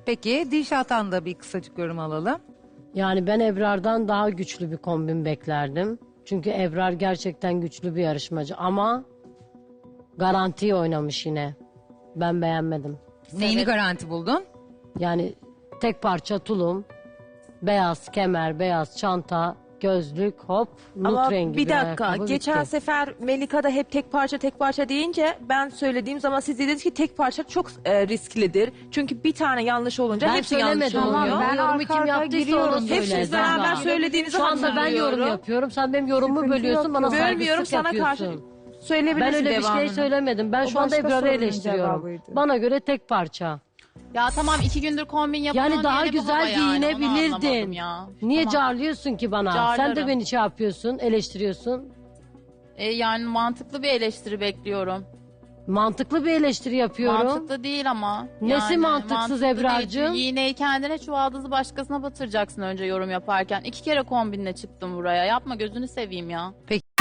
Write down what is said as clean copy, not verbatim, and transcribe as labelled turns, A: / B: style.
A: Peki Dilşah'tan da bir kısacık yorum alalım.
B: Yani ben Ebrar'dan daha güçlü bir kombin beklerdim. Çünkü Ebrar gerçekten güçlü bir yarışmacı ama garantiyi oynamış yine. Ben beğenmedim.
A: Neyini garanti buldun?
B: Yani tek parça tulum, beyaz kemer, beyaz çanta, gözlük, hop, nut
C: Ama
B: rengi
C: bir dakika,
B: ayakkabı,
C: geçen
B: bitti.
C: sefer Melika da hep tek parça deyince ben söylediğim zaman siz dediniz ki tek parça çok risklidir. Çünkü bir tane yanlış olunca
B: Ben
C: hepsi yanlış
B: söylemedim
C: oluyor.
B: onu.
D: Ben
B: Ben yorumu
D: arka
B: kim
D: arkaya
B: yaptıysa
D: giriyorum.
B: onu söyle.
C: Hepsiniz beraber
B: Zahra.
C: söylediğinizi
B: Şu anda ben
C: hatırlıyorum.
B: yorum yapıyorum. Sen benim yorumumu
D: Sıkıntı
B: bölüyorsun,
D: yok.
B: bana
C: Bölmüyorum,
B: saygısızlık
C: sana karşı
B: yapıyorsun.
C: söyleyebilirsin
B: Ben öyle bir
C: devamını.
B: şey söylemedim. Ben
D: O
B: şu anda
D: başka
B: Ebrar'ı
D: sorunun
B: eleştiriyorum.
D: cevabıydı.
B: Bana göre tek parça.
E: Ya tamam 2 gündür kombin yapıyorum.
B: Yani daha güzel giyinebilirdin. Niye
E: Tamam.
B: carlıyorsun ki bana? Sen de
E: Carlarım.
B: beni şey yapıyorsun, eleştiriyorsun.
E: Yani mantıklı bir eleştiri bekliyorum.
B: Mantıklı bir eleştiri yapıyorum.
E: Mantıklı değil ama.
B: Nesi mantıksız
E: mantıklı
B: Ebrar'cığım?
E: değil. İğneyi kendine çuvaldızı başkasına batıracaksın önce yorum yaparken. 2 kere kombinle çıktım buraya. Yapma gözünü seveyim ya.
A: Peki.